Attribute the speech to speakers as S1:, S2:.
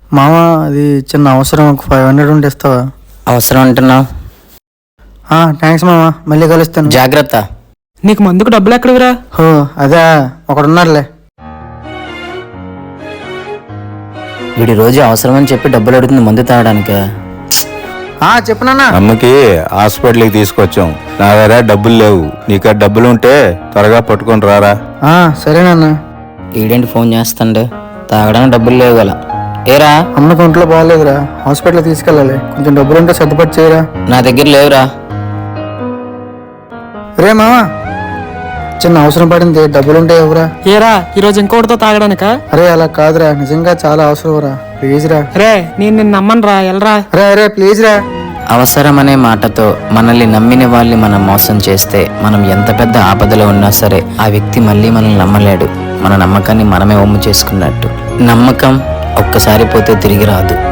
S1: మామ అది చిన్న అవసరం, ఒక 500 ఉంటే ఇస్తావా?
S2: అవసరం అంటున్నావు?
S1: థ్యాంక్స్ మామ, మళ్ళీ కలుస్తాను.
S2: జాగ్రత్త.
S3: నీకు మందుకు డబ్బులు ఎక్కడవిరా?
S1: హో అదే, ఒకడున్నారులే.
S2: వీడి రోజు అవసరమని చెప్పి డబ్బులు అడుగుతుంది మందు తాగడానికే.
S1: చెప్పునన్నా.
S4: అమ్మకి హాస్పిటల్కి తీసుకొచ్చాం. నా దగ్గర డబ్బులు లేవు, నీకు డబ్బులు ఉంటే త్వరగా పట్టుకొని రారా.
S1: సరేనన్నా.
S2: ఈడేంటి ఫోన్ చేస్తాండే? తాగడానికి డబ్బులు లేవు గల. ఏరా,
S1: అమ్మకి ఒంట్లో బాగాలేదురా, హాస్పిటల్ తీసుకెళ్ళాలి. కొంచెం డబ్బులు ఉంటే సర్దుపడి చేయరా.
S2: నా దగ్గర లేవురా.
S1: రే మామ, చిన్న అవసరం పడింది, డబ్బులుంటే ఎవరా?
S3: ఏరా ఈరోజు ఇంకోటితో తాగడానికా?
S1: అరే అలా కాదురా, నిజంగా చాలా అవసరం రా, ప్లీజ్ రా.
S3: రే నేను నిన్ను నమ్మను రా, ఎల్రా.
S1: అరే ప్లీజ్ రా.
S2: అవసరం అనే మాటతో మనల్ని నమ్మిన వాళ్ళని మనం మోసం చేస్తే, మనం ఎంత పెద్ద ఆపదలో ఉన్నా సరే ఆ వ్యక్తి మళ్ళీ మనల్ని నమ్మలేడు. మన నమ్మకాన్ని మనమే ఒమ్ము చేసుకున్నట్టు. నమ్మకం ఒక్కసారి పోతే తిరిగి రాదు.